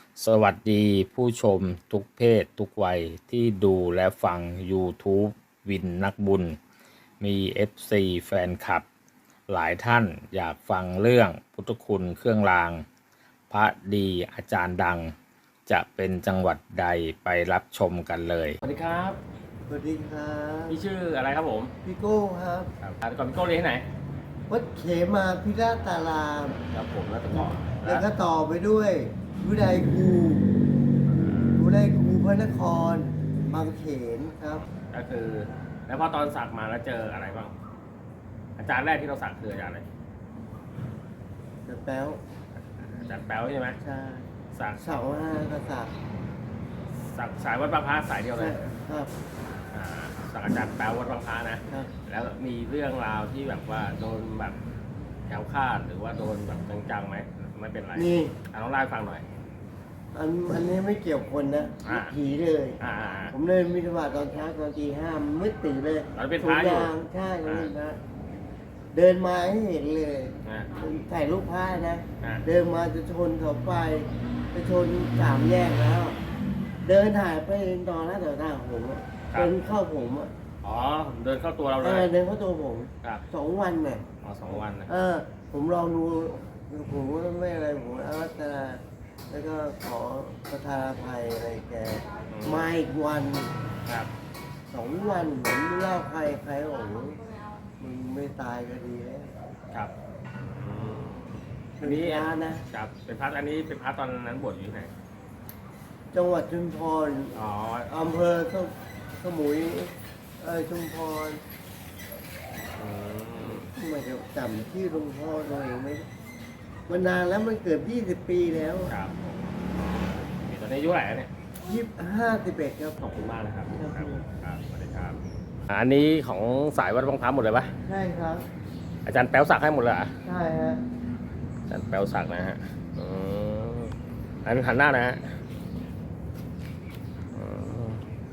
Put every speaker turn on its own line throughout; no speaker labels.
สวัสดีผู้ชมทุกเพศทุกวัยที่ดูและฟัง YouTube วินนักบุญ มี FC แฟนคลับ หลายท่านอยากฟังเรื่องพุทธคุณเครื่องราง พระดีอาจารย์ดัง จะเป็นจังหวัดใดไปรับชมกันเลย
สวัสดีครับ
สวัสดีครับ
พี่ชื่ออะไรครับผม
พี่โก้ครับ
ก่อนพี่โก้เรียนที่ไหน
วัดเขมาพิราตาราม
ครับผมแล้วต่อ
แล้วก็ต่อไปด้วยวิไลครูพระนครบางเขนครับ
ก็คือ แล้วพอตอนสักมาแล้วเจออะไรบ้างอาจารย์แรกที่เราสักคืออาจารย์อะไร
จะแป๊ว
อาจารย์แป๊วใช่ไหม
ใช่
สัก
เสาห้ากษัตริย์
สายวัดบางพระสายเดียวเลย
ครับ
สักอาจารย์แป๊ววัดบางพระนะ
ครับ
แล้วมีเรื่องราวที่แบบว่าโดนแบบแถวคาดหรือว่าโดนแบบจังๆไหมไม่เป็นไร
นี่
ลองเล่าให้ฟังหน่อย
อันนี้ไม่เกี่ยวคนนะ
อ่า
ผีเลย
อ่า
ผมเลยมิถวาตอนเช้าตอนตีห้ามืดตื่นเลย
ตอนเป็นพระอยู่
ถุงยางใช่ตอนเป็นพระเดินมาให้เห็นเลย
อ่า
ถ่ายรูปผ้านะ
อ่า
เดินมาจะชนเสาไฟจะชนสามแยกแล้ว เดินถ่ายไปตอนหน้าแถวหน้าผมอะเดินเข้าผมอ่ะ
อ๋อเดินเข้าตัวเราเลย
เดินเข้าตัวผม
ครับ
2 วันเนี่ย
อ๋อ2 วันนะ
ผมลองดูผมก็ไม่อะไรผมอารัตนาแล้วก็ขอประทานอภัยอะไรแกมาอีกวัน
ครับ
2 วันผมเล่าใครโอ้โหมึงไม่ตายก็ดีแล้ว
ครับอืม
อันนี้นะ
ครับเป็นพระอันนี้เป็นพระตอนนั้นบวชอยู่ที่ไหน
จังหวัดชุมพร
อ๋อ
อำเภอสมุยชุมพร
อืม
ไม่จะจำที่หลวงพ่อตัวเองไม่มันนานแล้วมันเกือบ20 ปีแล้ว
ครับมีตอนนี้อายุเท่าไหร่แล้วเนี่ย
51ครับ
ขอบคุณมากนะครับ
ครับ
ครับสวัสดีครับอันนี้ของสายวัดบางพระหมดเลยปะ
ใช่ครับ
อาจารย์แป๊วสักให้หมดเลยเหรอ
ใช่ฮะ
อาจารย์แป๊วสักนะฮะอืมอันนี้หันหน้านะฮะอืม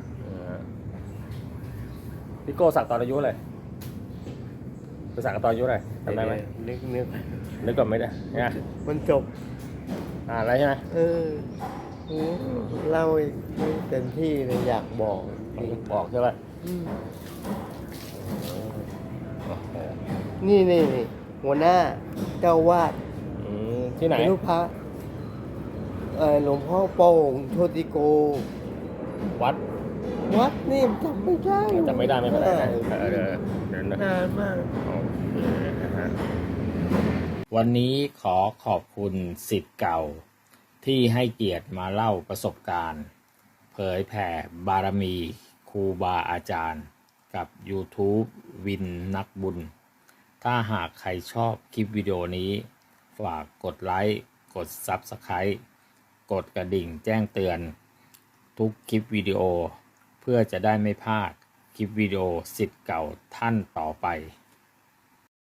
พี่โก้สักตอนอายุอะไรไปสักตอนอายุอะไรจำได้ไหม
นึก
นึกก่อนไม่ได้เนี่ย
มันจบ
อะไรใช่ไหม
เล่าอีกเต็มที่เลยอยากบอก
บอกใช่ไหม
อืมนี่หัวหน้าเจ้าวาด
ที่ไหน
เป็นรูปพระหลวงพ่อโป่งโชติโก
วัด
วัดนี่จำไม่ได้
จำไม่ได้ไม่เป็นไรนะเดี๋ยวนะ
นานมาก
โอเคนะฮะวันนี้ขอขอบคุณศิษย์เก่า ที่ให้เกียรติมาเล่าประสบการณ์ เผยแผ่บารมีครูบาอาจารย์กับ YouTube วินนักบุญ ถ้าหากใครชอบคลิปวิดีโอนี้ ฝากกดไลค์ กด Subscribe กดกระดิ่งแจ้งเตือน ทุกคลิปวิดีโอ เพื่อจะได้ไม่พลาดคลิปวิดีโอศิษย์เก่าท่านต่อไป